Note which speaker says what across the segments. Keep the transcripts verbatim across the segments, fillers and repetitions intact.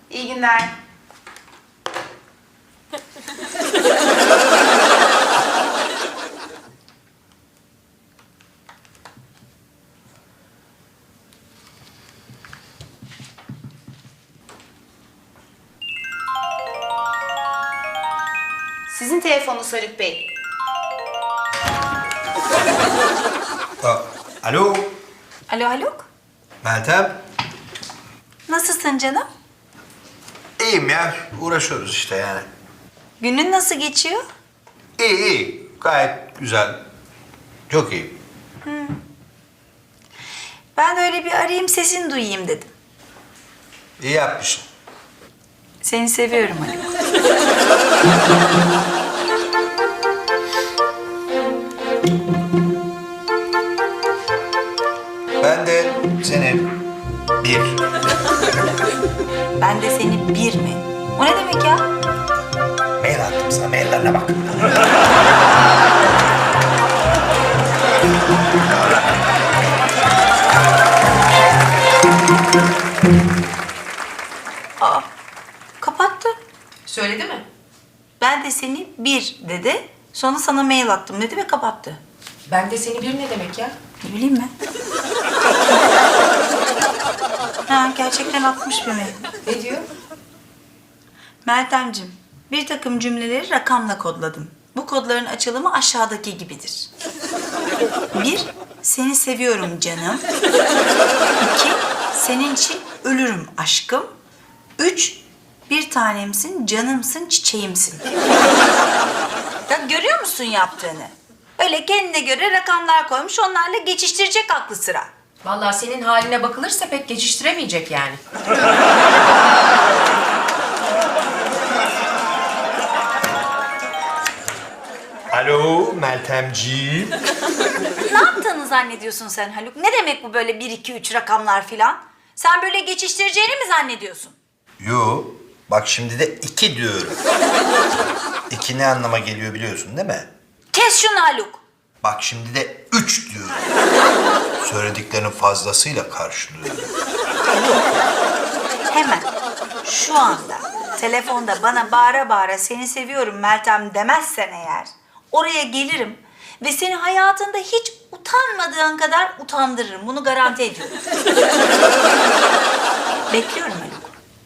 Speaker 1: İyi günler. Sizin telefonunuz Haluk Bey.
Speaker 2: Aa, alo,
Speaker 3: Alo Haluk.
Speaker 2: Meltem.
Speaker 3: Nasılsın canım?
Speaker 2: İyiyim ya, uğraşıyoruz işte yani.
Speaker 3: Günün nasıl geçiyor?
Speaker 2: İyi, iyi, gayet güzel. Çok iyi.
Speaker 3: Ben de öyle bir arayayım sesini duyayım dedim.
Speaker 2: İyi yapmışsın.
Speaker 3: Seni seviyorum Haluk.
Speaker 2: Ben de seni bir.
Speaker 3: Ben de seni bir mi? O ne demek ya?
Speaker 2: Mail attım sana, maillerine bak.
Speaker 3: Aa, kapattı.
Speaker 1: Söyledi mi?
Speaker 3: Ben de seni bir dedi. Sonra sana mail attım dedi ve kapattı.
Speaker 1: Ben de seni bir ne demek ya?
Speaker 3: Ne bileyim ben. Ha, gerçekten atmış bir mail.
Speaker 1: Ne diyor?
Speaker 3: Meltemciğim, bir takım cümleleri rakamla kodladım. Bu kodların açılımı aşağıdaki gibidir. Bir, seni seviyorum canım. İki, senin için ölürüm aşkım. Üç, bir tanemsin, canımsın, çiçeğimsin. Ya görüyor musun yaptığını? Öyle kendine göre rakamlar koymuş, onlarla geçiştirecek aklı sıra.
Speaker 1: Vallahi senin haline bakılırsa pek geçiştiremeyecek yani.
Speaker 2: Alo, Meltemciğim.
Speaker 3: Ne yaptığını zannediyorsun sen Haluk? Ne demek bu böyle bir, iki, üç rakamlar filan? Sen böyle geçiştireceğini mi zannediyorsun?
Speaker 2: Yo, bak şimdi de iki diyorum. İki ne anlama geliyor biliyorsun değil mi?
Speaker 3: Kes şunu Haluk.
Speaker 2: Bak şimdi de üç diyorum. Söylediklerinin fazlasıyla karşılıyorum.
Speaker 3: Hemen şu anda telefonda bana bağıra bağıra seni seviyorum Meltem demezsen eğer oraya gelirim ve seni hayatında hiç utanmadığın kadar utandırırım. Bunu garanti ediyorum. Bekliyorum Haluk.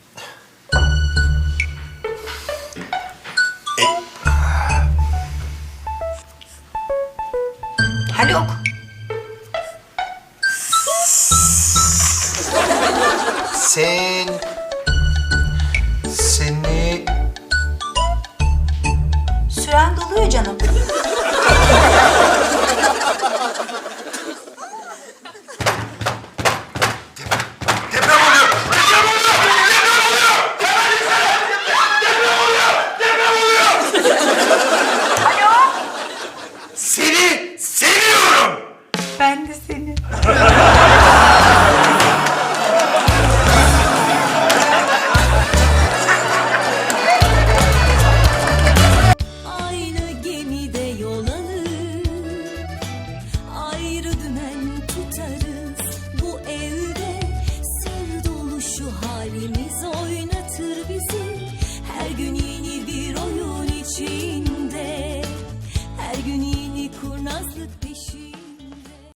Speaker 3: Haluk.
Speaker 2: Sen